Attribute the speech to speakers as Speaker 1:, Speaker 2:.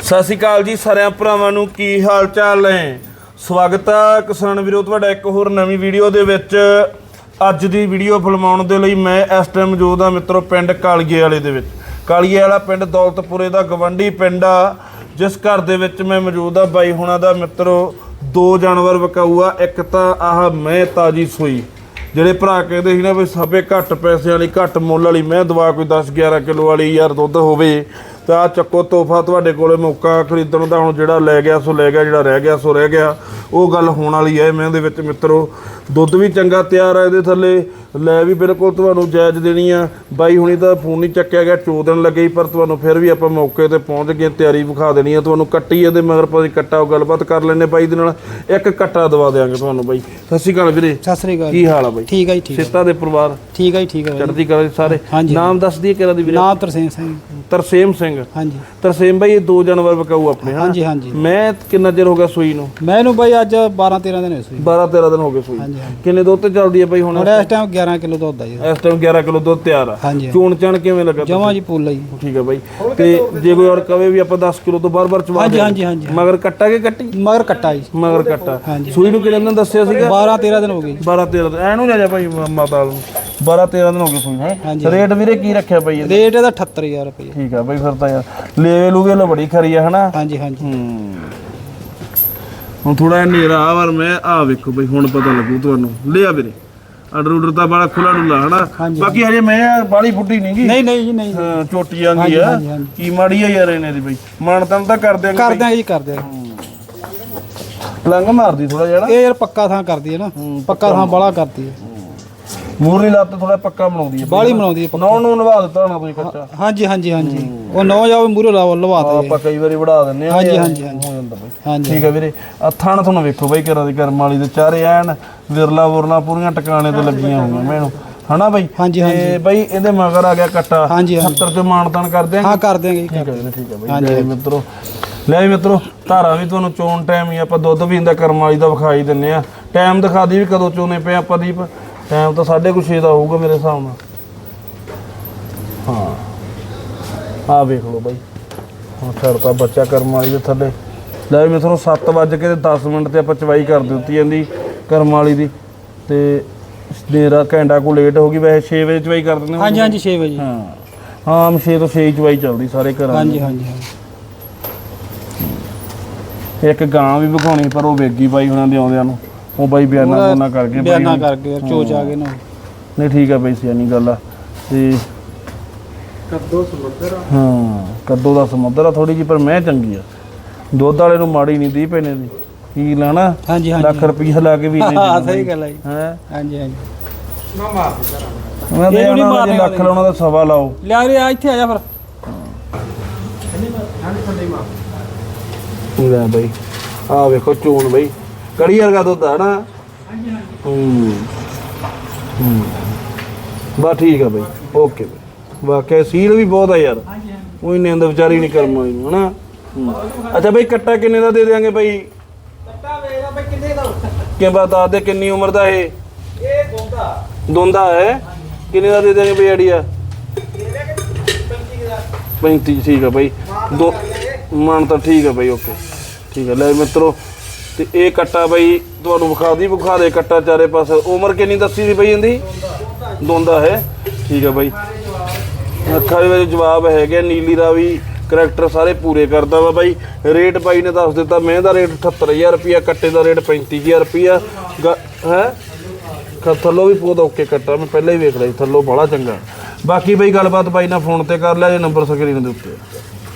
Speaker 1: ਸਤਿ ਸ਼੍ਰੀ ਅਕਾਲ ਜੀ ਸਾਰਿਆਂ ਭਰਾਵਾਂ ਨੂੰ, ਕੀ ਹਾਲ ਚਾਲ ਹੈ। ਸਵਾਗਤ ਹੈ ਕਿਸਾਨ ਵੀਰੋ ਤੁਹਾਡਾ ਇੱਕ ਹੋਰ ਨਵੀਂ ਵੀਡੀਓ ਦੇ ਵਿੱਚ। ਅੱਜ ਦੀ ਵੀਡੀਓ ਫਿਲਮਾਉਣ ਦੇ ਲਈ ਮੈਂ ਇਸ ਟਾਈਮ ਮੌਜੂਦ ਹਾਂ ਮਿੱਤਰੋ ਪਿੰਡ ਕਾਲੀਏ ਵਾਲੇ ਦੇ ਵਿੱਚ। ਕਾਲੀਏ ਵਾਲਾ ਪਿੰਡ ਦੌਲਤਪੁਰੇ ਦਾ ਗਵੰਡੀ ਪਿੰਡ ਆ, ਜਿਸ ਘਰ ਦੇ ਵਿੱਚ ਮੈਂ ਮੌਜੂਦ ਆ। ਬਾਈ ਹੁਣਾਂ ਦਾ ਮਿੱਤਰੋ ਦੋ ਜਾਨਵਰ ਵਿਕਾਊ ਆ। ਇੱਕ ਤਾਂ ਆਹ ਮੈਂ ਤਾਜੀ ਸੂਈ, ਜਿਹੜੇ ਭਰਾ ਕਹਿੰਦੇ ਸੀ ਨਾ ਵੀ ਸਭੇ ਘੱਟ ਪੈਸਿਆਂ ਵਾਲੀ ਘੱਟ ਮੁੱਲ ਵਾਲੀ ਮੈਂ ਦਵਾ ਕੋਈ 10-11 ਕਿਲੋ ਵਾਲੀ ਯਾਰ ਦੁੱਧ ਹੋਵੇ ਤਾਂ ਆਹ ਚੱਕੋ ਤੋਹਫਾ ਤੁਹਾਡੇ ਕੋਲੇ। ਮੌਕਾ ਖਰੀਦਣ ਦਾ ਹੁਣ ਜਿਹੜਾ ਲੈ ਗਿਆ ਸੋ ਲੈ ਗਿਆ, ਜਿਹੜਾ ਰਹਿ ਗਿਆ ਸੋ ਰਹਿ ਗਿਆ। ਉਹ ਗੱਲ ਹੋਣ ਵਾਲੀ ਹੈ ਮੈਂ ਦੇ ਵਿੱਚ ਮਿੱਤਰੋ। ਦੁੱਧ ਵੀ ਚੰਗਾ ਤਿਆਰ ਹੈ ਇਹਦੇ ਥੱਲੇ, ਲੈ ਵੀ ਬਿਲਕੁਲ ਤੁਹਾਨੂੰ ਜਾਇਜ਼ ਦੇਣੀ ਆ। ਬਾਈ ਹੁਣੀ ਤਾਂ ਫੋਨ ਨਹੀਂ ਚੱਕਿਆ ਗਿਆ, 4 ਦਿਨ ਲੱਗੇ ਪਰ ਤੁਹਾਨੂੰ ਫਿਰ ਵੀ ਆਪਾਂ ਮੌਕੇ ਤੇ ਪਹੁੰਚ ਗਏ, ਤਿਆਰੀ ਵਿਖਾ ਦੇਣੀ ਆ ਤੁਹਾਨੂੰ। ਕੱਟੀ ਇਹਦੇ ਮਗਰ ਪਾ ਕੱਟਾ ਉਹ ਗੱਲਬਾਤ ਕਰ ਲੈਣੇ ਬਾਈ ਦੇ ਨਾਲ, ਇੱਕ ਕੱਟਾ ਦਵਾ ਦਿਆਂਗੇ ਤੁਹਾਨੂੰ। ਬਾਈ ਸਤਿ ਸ਼੍ਰੀ ਅਕਾਲ ਵੀਰੇ।
Speaker 2: ਸਤਿ ਸ੍ਰੀ ਅਕਾਲ।
Speaker 1: ਕੀ ਹਾਲ ਆ ਬਾਈ?
Speaker 2: ਠੀਕ ਹੈ ਜੀ, ਠੀਕ ਹੈ।
Speaker 1: ਸਿੱਤਾ ਦੇ ਪਰਿਵਾਰ
Speaker 2: ਠੀਕ ਹੈ ਜੀ, ਠੀਕ ਹੈ।
Speaker 1: ਚੜ੍ਹਦੀ ਕਲਾ ਸਾਰੇ। ਨਾਮ ਦੱਸ ਦਈਏ ਕਿਹੜਾ ਦੀ ਵੀਰੇ?
Speaker 2: ਨਾਮ ਤਰਸੇਮ ਸਿੰਘ।
Speaker 1: ਤਰਸੇਮ ਸਿੰਘ।
Speaker 2: ਹਾਂਜੀ
Speaker 1: ਤਰਸੇਮ ਬਾਈ, ਇਹ ਦੋ ਜਾਨਵਰ ਵਿਕਾਊ ਆਪਣੇ।
Speaker 2: ਹਾਂਜੀ ਹਾਂਜੀ।
Speaker 1: ਮੈਂ ਕਿੰਨਾ ਚਿਰ ਹੋ ਗਿਆ ਸੂਈ ਨੂੰ?
Speaker 2: ਮੈਨੂੰ ਬਾਈ ਅੱਜ 12-13 ਦਿਨ ਹੋਏ ਸੂਈ।
Speaker 1: 12-13 ਦਿਨ ਹੋ ਗਏ ਸੂਈ।
Speaker 2: ਹਾਂਜੀ ਹਾਂਜੀ।
Speaker 1: ਕਿੰਨੇ ਦੁੱਧ ਤੇ ਚੱਲਦੀ ਹੈ ਬਾਈ ਹੁਣ?
Speaker 2: ਇਸ ਟਾਈਮ 11 ਕਿਲੋ ਦੁੱਧ ਆ ਜੀ।
Speaker 1: ਇਸ ਟਾਈਮ 11 ਕਿਲੋ ਦੁੱਧ ਤਿਆਰ ਆ।
Speaker 2: ਹਾਂਜੀ।
Speaker 1: ਚੋਣ ਚਾਣ ਕਿਵੇਂ ਲੱਗਾ?
Speaker 2: ਜਮਾਂ ਜੀ ਪੁੱਲ ਆ ਜੀ।
Speaker 1: ਠੀਕ ਹੈ ਬਾਈ। ਤੇ ਜੇ ਕੋਈ ਹੋਰ ਕਵੇ ਵੀ ਆਪਾਂ 10 ਕਿਲੋ ਤੋਂ ਬਾਰ-ਬਾਰ ਚਵਾ
Speaker 2: ਹਾਂਜੀ ਹਾਂਜੀ ਹਾਂਜੀ।
Speaker 1: ਮਗਰ ਕੱਟਾ ਕੇ ਕੱਟੀ?
Speaker 2: ਮਗਰ ਕੱਟਾ ਜੀ।
Speaker 1: ਮਗਰ ਕੱਟਾ।
Speaker 2: ਹਾਂਜੀ।
Speaker 1: ਸੂਈ ਨੂੰ ਕਿੰਨੇ ਦਿਨ ਦੱਸਿਆ ਸੀਗਾ?
Speaker 2: 12-13 ਦਿਨ ਹੋ ਗਏ।
Speaker 1: 12-13 ਦਿਨ ਐਨੂੰ ਲੈ ਜਾ ਭਾਈ ਮਾਤਾ ਨੂੰ। 12-13 ਦਿਨ ਹੋ ਗਏ ਸੂਈ ਹੈ।
Speaker 2: ਹਾਂਜੀ।
Speaker 1: ਰੇਟ ਵੀਰੇ ਕੀ ਰੱਖਿਆ ਬਾਈ ਇਹਦਾ?
Speaker 2: ਰੇਟ ਇਹਦਾ 78000 ਰੁਪਏ।
Speaker 1: ਠੀਕ ਆ ਬਾਈ, ਫਿਰ ਤਾਂ ਯਾਰ ਲੈ ਲੂਗੇ ਲੋ ਬੜੀ ਖਰੀ ਆ ਹਨਾ।
Speaker 2: ਹਾਂਜੀ ਹਾਂਜੀ।
Speaker 1: ਹੁਣ ਥੋੜਾ ਜਿਹਾ ਹਨੇਰਾ ਆ ਪਰ ਮੈਂ ਆ ਵੇਖੋ ਬਈ ਹੁਣ ਪਤਾ ਲੱਗੂ ਤੁਹਾਨੂੰ। ਲਿਆ ਵੀਰੇ ਆਰਡਰ ਤਾਂ ਬੜਾ ਖੁੱਲਾ ਡੁੱਲਾ ਹਨਾ। ਬਾਕੀ ਹਜੇ ਮੈਂ ਬਾਲੀ ਫੁੱਟੀ ਨਹੀਂ ਗਈ।
Speaker 2: ਨਹੀਂ ਨਹੀਂ ਜੀ ਨਹੀਂ।
Speaker 1: ਹਾਂ ਚੋਟੀ ਜਾਂਦੀ ਆ। ਕੀ ਮਾੜੀ ਆ ਯਾਰ ਇਹਨੇ ਦੀ ਬਈ। ਮਾਨਤਨ ਤਾਂ ਕਰ ਦਿਆਂਗੇ।
Speaker 2: ਕਰ ਦਿਆਂਗੇ ਜੀ, ਕਰ ਦਿਆਂਗੇ।
Speaker 1: ਲੰਗ ਮਾਰਦੀ ਥੋੜਾ ਜਿਹਾ।
Speaker 2: ਇਹ ਯਾਰ ਪੱਕਾ ਥਾਂ ਕਰਦੀ ਹੈ ਨਾ, ਪੱਕਾ ਥਾਂ ਬਾਲਾ ਕਰਦੀ ਹੈ।
Speaker 1: ਮੂਰਲੀ ਲੱਤ ਥੋੜਾ ਪੱਕਾ ਬਣਾਉਂਦੀ ਹੈ,
Speaker 2: ਬਾਲੀ ਬਣਾਉਂਦੀ ਹੈ।
Speaker 1: ਨੌ ਨੂੰ ਨਵਾ ਦਿੱਤਾ ਹੋਣਾ ਤੁਸੀਂ ਕੱਚਾ? ਹਾਂਜੀ
Speaker 2: ਹਾਂਜੀ ਹਾਂਜੀ। ਉਹ 9 ਜਾਵੇ ਮੂਰੇ ਲਵਾ ਦੇ
Speaker 1: ਆਪਾਂ ਕਈ ਵਾਰੀ ਵੜਾ ਦਿੰਨੇ ਆ।
Speaker 2: ਹਾਂਜੀ ਹਾਂਜੀ ਹਾਂਜੀ।
Speaker 1: ਹੋ ਜਾਂਦਾ ਬਈ।
Speaker 2: ਹਾਂਜੀ
Speaker 1: ਠੀਕ ਹੈ ਵੀਰੇ। ਆ ਥਣ ਤੁਹਾਨੂੰ ਵੇਖੋ ਬਾਈ ਘਰਾਂ ਦੀ ਕਰਮ ਵਾਲੀ ਦੇ ਚਾਰੇ ਐਨ ਵਿਰਲਾ ਵੁਰਲਾ ਪੂਰੀਆਂ ਟਿਕਾਣੇ ਤੇ ਲੱਗੀਆਂ ਹੋਈਆਂ ਮੈਨੂੰ ਹਨਾ ਬਾਈ।
Speaker 2: ਹਾਂਜੀ
Speaker 1: ਤੇ ਬਾਈ ਇਹਦੇ ਮਗਰ ਆ ਗਿਆ ਕੱਟਾ।
Speaker 2: ਹਾਂਜੀ
Speaker 1: 70 ਚ ਮਾਨਤਾਨ ਕਰ ਦਿਆਂਗੇ।
Speaker 2: ਹਾਂ ਕਰ ਦਿਆਂਗੇ।
Speaker 1: ਠੀਕ ਹੈ ਵੀਰੇ, ਠੀਕ ਹੈ ਬਾਈ। ਲੈ ਮਿੱਤਰੋ, ਲੈ ਮਿੱਤਰੋ ਧਾਰਾ ਵੀ ਤੁਹਾਨੂੰ ਚੋਣ ਟਾਈਮ ਹੀ ਆਪਾਂ ਦੁੱਧ ਵੀ ਇਹਦਾ ਕਰਮ ਵਾਲੀ ਦਾ ਵਿਖਾਈ ਦਿੰਨੇ ਆ। ਟਾਈਮ ਦਿਖਾ ਦੀ ਵੀ ਕਦੋਂ ਚੋਣੇ ਪਏ ਆਪਾਂ ਦੀਪ? ਟਾਈਮ ਤਾਂ 6:30 ਦਾ ਹੋਊਗਾ ਮੇਰੇ ਹਿਸਾਬ ਨਾਲ। ਹਾਂ ਆ ਵੇਖ ਲਓ ਬਾਈ, ਹੁਣ ਛੱਡਤਾ ਬੱਚਾ ਕਰਮ ਵਾਲੀ ਦੇ ਥੱਲੇ। ਲੈ ਵੀ ਮਿੱਤਰੋ 7:10 ਤੇ ਆਪਾਂ ਚਵਾਈ ਕਰ ਦਿੱਤੀ ਜਾਂਦੀ ਕਰਮ ਵਾਲੀ ਦੀ। ਤੇ ਮੇਰਾ ਘੰਟਾ ਕੋ ਲੇਟ ਹੋ ਗਈ, ਵੈਸੇ 6 ਵਜੇ ਚਵਾਈ ਕਰ ਦਿੰਦੇ।
Speaker 2: ਹਾਂਜੀ ਹਾਂਜੀ 6 ਵਜੇ।
Speaker 1: ਹਾਂ ਹਾਂ 6 ਤੋਂ 6 ਚਵਾਈ ਚੱਲਦੀ ਸਾਰੇ ਘਰਾਂ।
Speaker 2: ਹਾਂਜੀ ਹਾਂਜੀ।
Speaker 1: ਇੱਕ ਗਾਂ ਵੀ ਵਿਖਾਉਣੀ ਪਰ ਉਹ ਵੇਗੀ ਬਾਈ ਉਹਨਾਂ ਦੇ ਆਉਂਦਿਆਂ ਨੂੰ। ਉਹ ਬਾਈ ਬਿਆਨਾ ਕਰਕੇ
Speaker 2: ਚੋਚ ਆ ਗਏ ਨਾ।
Speaker 1: ਨਹੀਂ ਠੀਕ ਆ ਬਾਈ, ਸਿਆਣੀ ਗੱਲ ਆ। ਤੇ ਕੱਦੋ ਸਮੁੰਦਰ। ਹਾਂ ਕੱਦੋ ਦਾ ਸਮੁੰਦਰ ਆ ਥੋੜੀ ਜਿਹੀ, ਪਰ ਮੈਂ ਚੰਗੀ ਆ। ਦੁੱਧ ਵਾਲੇ ਨੂੰ ਮਾੜੀ ਨਹੀਂ ਦੀ ਪੈਨੇ ਦੀ। ਕੀ ਲੈਣਾ?
Speaker 2: ਹਾਂਜੀ ਹਾਂਜੀ।
Speaker 1: ਲੱਖ ਰੁਪਈਆ ਲਾ ਕੇ ਵੀ ਨਹੀਂ।
Speaker 2: ਹਾਂ ਸਹੀ ਗੱਲ ਹੈ ਜੀ।
Speaker 1: ਹੈ
Speaker 2: ਹਾਂਜੀ ਹਾਂਜੀ।
Speaker 1: ਮੈਂ ਦੇ ਉਹਨਾਂ ਦੇ ਲੱਖ ਲਾਉਣਾ ਤਾਂ ਸਵਾ ਲਾਓ।
Speaker 2: ਲਿਆ ਰੇ ਆ ਇੱਥੇ ਆ ਜਾ ਫਿਰ।
Speaker 1: ਲੈ ਬਾਈ ਆ ਵੇਖੋ ਚੋਣ ਬਾਈ, ਕੜੀ ਵਰਗਾ ਦੁੱਧ ਆ ਨਾ। ਬਸ ਠੀਕ ਆ ਬਾਈ, ਓਕੇ ਬਾਈ। ਵਾਕਿਆ ਸੀਲ ਵੀ ਬਹੁਤ ਆ ਯਾਰ। ਉਹੀ ਨਿੰਦ ਵਿਚਾਰੀ ਨਹੀਂ ਕਰਮ ਆਈ ਨੂੰ ਹਨਾ। ਅੱਛਾ ਬਾਈ ਕੱਟਾ ਕਿੰਨੇ ਦਾ ਦੇ ਦਿਆਂਗੇ ਬਾਈ?
Speaker 2: ਕੱਟਾ ਵੇਖਦਾ ਬਈ ਕਿੰਨੇ ਦਾ?
Speaker 1: ਕਿ ਬਾਤ ਦੱਸ ਦੇ ਕਿੰਨੀ ਉਮਰ ਦਾ ਇਹ?
Speaker 2: ਇਹ
Speaker 1: ਦੋਂਦਾ ਹੈ। ਕਿੰਨੇ ਦਾ ਦੇ ਦਿਆਂਗੇ ਬਾਈ ਆਈਡੀਆ? 35। ਠੀਕ ਆ ਬਾਈ। ਦੋ ਮਨ ਤਾਂ ਠੀਕ ਆ ਬਾਈ, ਓਕੇ ਠੀਕ ਆ। ਲੈ ਮਿੱਤਰੋ ਤੇ ਇਹ ਕੱਟਾ ਬਾਈ ਤੁਹਾਨੂੰ ਵਿਖਾ ਦੇ ਕੱਟਾ ਚਾਰੇ ਪਾਸੇ। ਉਮਰ ਕਿੰਨੀ ਦੱਸੀ ਸੀ ਬਾਈ ਇਹਦੀ? ਦੋਂਦਾ ਹੈ। ਠੀਕ ਆ ਬਾਈ। ਅੱਖਾਂ ਦੇ ਵਿੱਚ ਜਵਾਬ ਹੈਗੇ। ਨੀਲੀ ਦਾ ਵੀ ਕਰੈਕਟਰ ਸਾਰੇ ਪੂਰੇ ਕਰਦਾ ਵਾ ਬਾਈ। ਰੇਟ ਬਾਈ ਨੇ ਦੱਸ ਦਿੱਤਾ। ਮੈਂ ਦਾ ਰੇਟ 78000 ਰੁਪਈਆ, ਕੱਟੇ ਦਾ ਰੇਟ 35000 ਰੁਪਈਆ ਹੈ। ਥੱਲੋਂ ਵੀ ਬਹੁਤ ਓਕੇ ਕੱਟਾ, ਮੈਂ ਪਹਿਲਾਂ ਹੀ ਵੇਖ ਲਿਆ ਥੱਲੋਂ ਬੜਾ ਚੰਗਾ। ਬਾਕੀ ਬਾਈ ਗੱਲਬਾਤ ਬਾਈ ਨਾਲ ਫੋਨ ਤੇ ਕਰ ਲਿਆ ਜੇ, ਨੰਬਰ ਸਕਰੀਨ ਦੇ ਉੱਤੇ।